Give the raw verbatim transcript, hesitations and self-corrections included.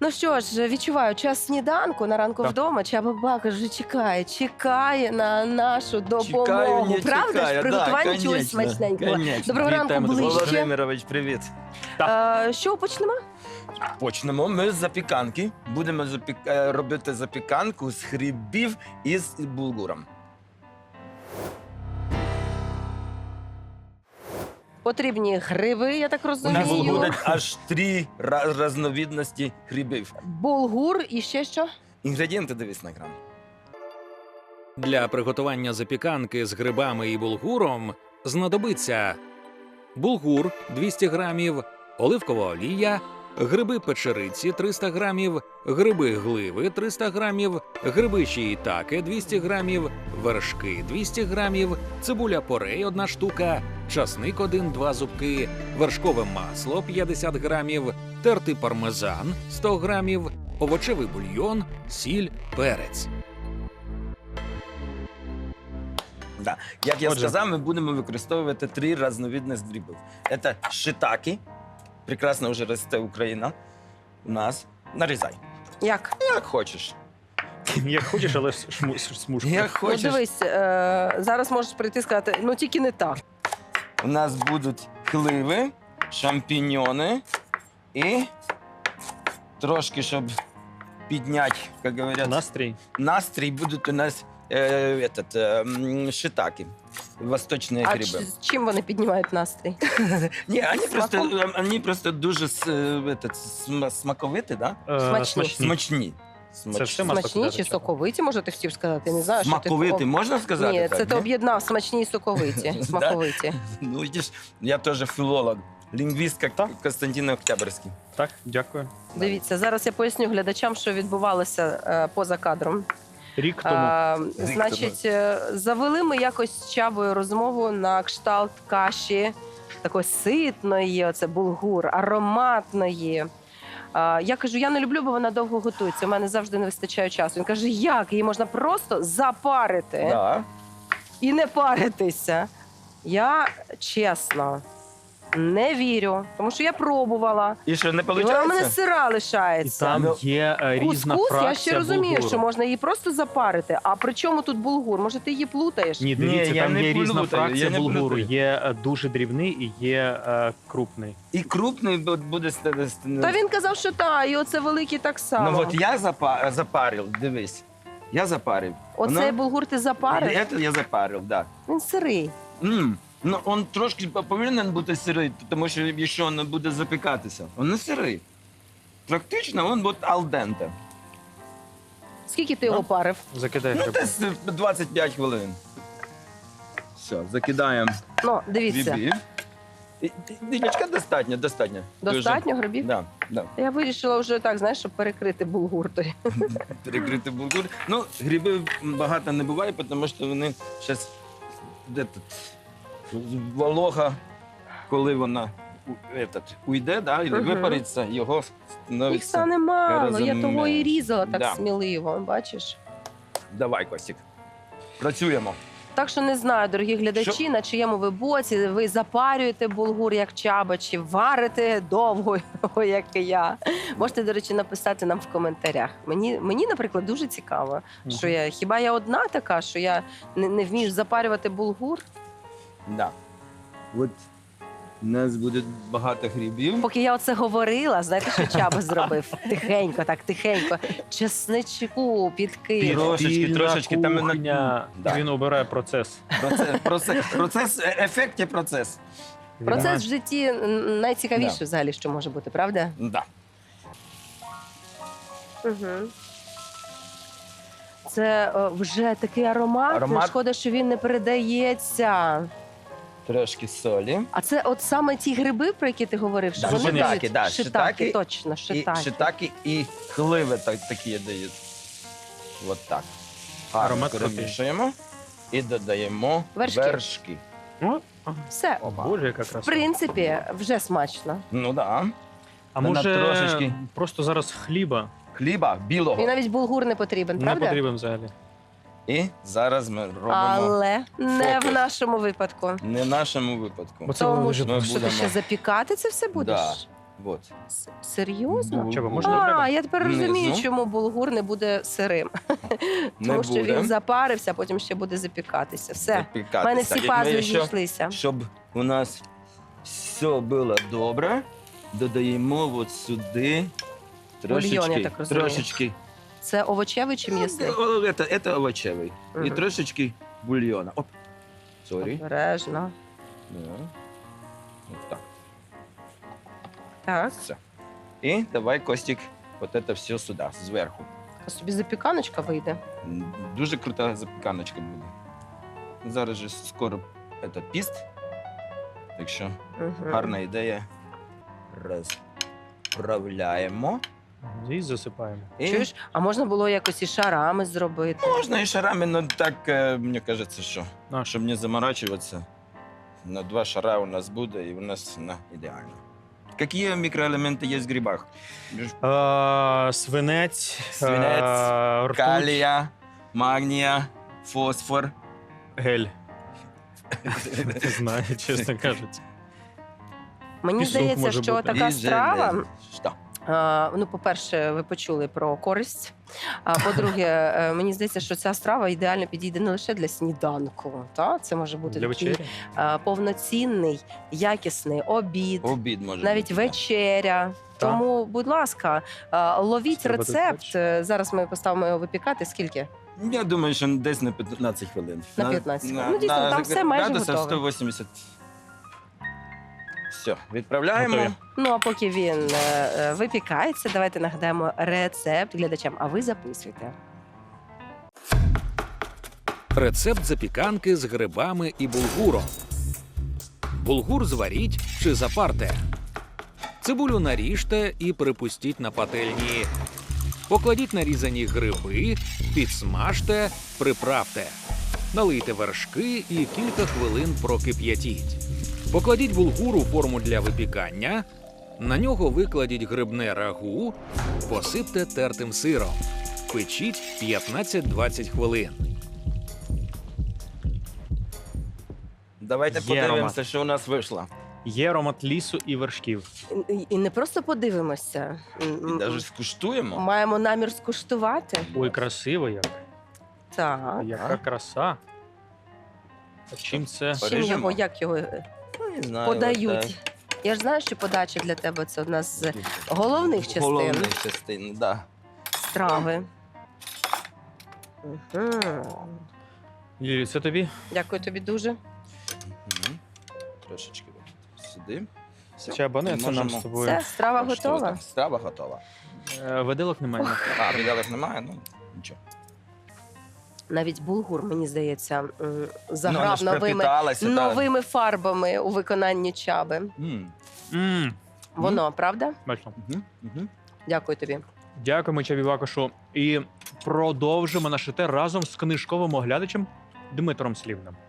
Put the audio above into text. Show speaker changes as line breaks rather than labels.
Ну що ж, відчуваю, час сніданку на ранку
Так.
вдома. Чаба Бака вже чекає, чекає на нашу допомогу.
Чекаю, не
Правда
чекаю,
ж? Приготування
да,
чогось
конечно,
смачненького.
конечно.
Доброго ранку,
Вітаємо тебе.
ближче.
Володимирович, привіт.
Е, що почнемо?
Почнемо ми з запіканки. Будемо запік... е, робити запіканку з грибів із булгуром.
Потрібні гриби, я так
У нас
розумію.
буде аж три ra- різновидності грибів.
Булгур і ще що?
Інгредієнти дивись на екран.
Для приготування запіканки з грибами і булгуром знадобиться булгур двісті грамів, оливкова олія, гриби печериці триста грамів, гриби гливи триста грамів, гриби шиїтаке двісті грамів, вершки двісті грамів, цибуля порей одна штука, часник один-два зубки, вершкове масло п'ятдесят грамів, тертий пармезан сто грамів, овочевий бульйон, сіль, перець.
Да. Як я
Отже.
сказав, ми будемо використовувати три різновидності грибів. Це шитаки. Прекрасно вже росте Україна у нас. Нарізай.
Як?
Як хочеш.
Як хочеш, але шму- смужку.
Як
Ну,
хочеш.
дивись, е, зараз можеш прийти і сказати, ну тільки не так.
У нас будуть хливи, шампіньони і трошки, щоб підняти, як говорять,
Настрій.
настрій, будуть у нас е, этот, е, м, шитаки, восточні
А
гриби.
ч- з чим вони піднімають настрій?
Ні, вони просто,
Смаком?
е, вони просто дуже с- е, этот, см- смаковиті, да?
Е,
Смачні.
Смачні.
Це все можна
Смачні
сказати,
чи
що?
соковиті, може ти хотів сказати? Не знаю, що ти
Смаковиті,
такого-
можна сказати?
Ні,
так,
це ти
ні?
об'єднав смачні і соковиті.
Да?
Смаковиті.
Ну, видиш, я теж філолог, лінгвіст, як
Так.
Костянтин Октябрьський.
Так, дякую.
Дивіться, зараз я поясню глядачам, що відбувалося е, поза кадром.
Рік тому.
А, значить, е, завели ми якось з Чабою розмову на кшталт каші такої ситної, оце булгур, ароматної. А, я кажу, я не люблю, бо вона довго готується. У мене завжди не вистачає часу. Він каже, як? Її можна просто запарити
Да.
і не паритися. Я чесно не вірю, тому що я пробувала.
І що, не
І вона в мене
виходить?
сира
І
лишається.
там
ну,
є е, різна
Кускус,
фракція
я ще розумію,
булгуру.
що можна її просто запарити. А при чому тут булгур? Може, ти її плутаєш?
Ні, дивіться,
Ні, я
там
не
є різна
плутаю,
фракція
я не
булгуру.
плутаю.
Є е, дуже дрібний і є е, крупний.
І крупний бу- буде... ст- ст-
Та він казав, що та, і оце великий так само.
Ну от я запа- запарив, дивись. Я запарив.
Оцей
Воно-
булгур ти запарив?
Це я запарив, так.
Він сирий.
Да. М. Ну, він трошки повинен бути сирий, тому що якщо він буде запікатися, він не сирий. Практично він буде алденте.
Скільки ти його парив?
Закидай
Ну,
гриби.
десь двадцять п'ять хвилин. Все, закидаємо
Ну, дивіться.
грибів. І- Діночка достатньо, достатньо.
Достатньо грибів?
Да, да.
Я вирішила вже так, знаєш, щоб перекрити булгур той.
Перекрити булгур. Ну, грибів багато не буває, тому що вони зараз де тут волога, коли вона у- этот, уйде, да, і
Мгм.
випариться, його
Їх
становиться.
стане мало, я того і
розумію.
різала так
Да.
сміливо, бачиш?
Давай, Костік. Працюємо.
Так що не знаю, дорогі глядачі,
Що?
на чиєму ви боці, ви запарюєте булгур, як Чаба, чи варите довго, як і я. Можете, до речі, написати нам в коментарях. Мені, мені наприклад, дуже цікаво,
Мгм.
що я, хіба я одна така, що я не, не вмію запарювати булгур?
Да. От у нас буде багато грибів.
Поки я оце говорила, знаєте, що Чаба зробив? Тихенько, так, тихенько. Чесничку підкинув.
Трошечки,
Підпільна
трошечки там і на-
кухня.
Да.
Він обирає процес.
Процес, процес, процес, е- ефект і процес.
Процес в житті м, найцікавіше
Да.
взагалі, що може бути, правда?
Да.
Угу. Це е, вже такий аромат.
Аромат.
Шкода, що він не передається.
Трошки солі.
А це от саме ті гриби, про які ти говорив, що
Да,
вони
шитаки,
дають?
да,
шитаки,
шитаки
точно,
І
шитаки.
шитаки і хливи так, такі дають. От так. Гарно
Аромат крутий.
перемішуємо і додаємо
Вершки.
вершки.
О,
Все.
Опа.
Боже, яка
В
краса.
принципі, вже смачно.
Ну да.
А
Вона
може
трошечки-
просто зараз хліба
Хліба білого.
І навіть булгур не потрібен,
не
правда?
потрібен взагалі.
І зараз ми робимо
Але не в
фокус.
нашому випадку.
не в нашому випадку.
Бо це
Тому
лежить.
Ми
що ти
будемо-
ще запікати це все будеш?
Да. Вот.
С- Серйозно?
Булгур.
Чого, можна треба?
А, я тепер розумію,
Внизу.
чому булгур не буде сирим.
Не
Тому що
буде.
він запарився, а потім ще буде запікатися. Все. У
Запікатися.
мене всі
І ми
пазли
ще,
зійшлися.
щоб у нас все було добре, додаємо от сюди трошечки,
я так розумію.
трошечки.
Це овочевий чи м'ясний?
О, Это, это овочевий. І
Мгм.
трошечки бульйона. Оп. Сорі.
Обережно.
Да. От так.
Так.
Все. І давай, Костік, от це все сюди, зверху.
А собі запіканочка вийде.
М, Дуже крута запіканочка буде. Зараз же скоро этот піст. Так що
Мгм.
гарна ідея. Розправляємо.
І засипаємо.
І
Чуєш, а можна було якось і шарами зробити.
можна і шарами, але так, е, мені кажеться, що
На.
щоб не заморачуватися, на два шара у нас буде і у нас на ідеально. Які мікроелементи є в грибах?
Е, свинець,
Свинець,
е, ртуть,
Калія, магнія, фосфор.
гель. Не знаю, чесно кажучи.
Мені
Пісок
здається,
може
що
бути.
така
І
страва.
железо. Що?
А, ну, по-перше, ви почули про користь. А по-друге, е, мені здається, що ця страва ідеально підійде не лише для сніданку. Та? Це може бути
Для
такий
вечері.
а, повноцінний, якісний обід,
Обід може
навіть
бути. да.
вечеря. Тому, будь ласка, а, ловіть
Треба тут
рецепт.
бачити.
Е, Зараз ми поставимо його випікати. Скільки?
Я думаю, що десь на п'ятнадцять хвилин.
На п'ятнадцять хвилин. Ну, дійсно, там все майже
градусах
готове.
сто вісімдесят. Все, відправляємо.
Готові.
Ну а поки він е, е, випікається, давайте нагадаємо рецепт глядачам. А ви записуйте.
Рецепт запіканки з грибами і булгуром. Булгур зваріть чи запарте. Цибулю наріжте і припустіть на пательні. Покладіть нарізані гриби, підсмажте, приправте. Налийте вершки і кілька хвилин прокип'ятіть. Покладіть булгур у форму для випікання. На нього викладіть грибне рагу, посипте тертим сиром. Печіть п'ятнадцять-двадцять хвилин.
Давайте
Є
подивимося,
аромат.
що у нас вийшло.
Є аромат лісу і вершків.
І, і не просто подивимося. м,
І
м,
навіть скуштуємо.
Маємо намір скуштувати.
Ой, красиво як.
Так.
Яка краса. А чим це?
Чим
Поріжемо?
його, як його е,
Ну, не знаю,
подають?
от,
Я ж знаю, що подача для тебе це одна з
е,
головних частин
Головних частин, да.
страви. Угу.
Лілі, це тобі?
Дякую тобі дуже.
Мгм. Трошечки от сюди. Все.
Чи або не,
Ми
це нам
можемо
з тобою.
Все, страва
коштувати.
готова.
Страва готова.
Е, Виделок немає.
А, віделок немає, ну нічого.
Навіть булгур, мені здається, м,
Ну,
заграв
вона ж
новими,
пропиталася, та.
новими фарбами у виконанні Чаби.
М.
М,
Воно, правда?
Бачно.
Мгм, мгм.
Дякую тобі.
Дякуємо Чабі Вакошу. І продовжимо наш етер разом з книжковим оглядачем Дмитром Слівним.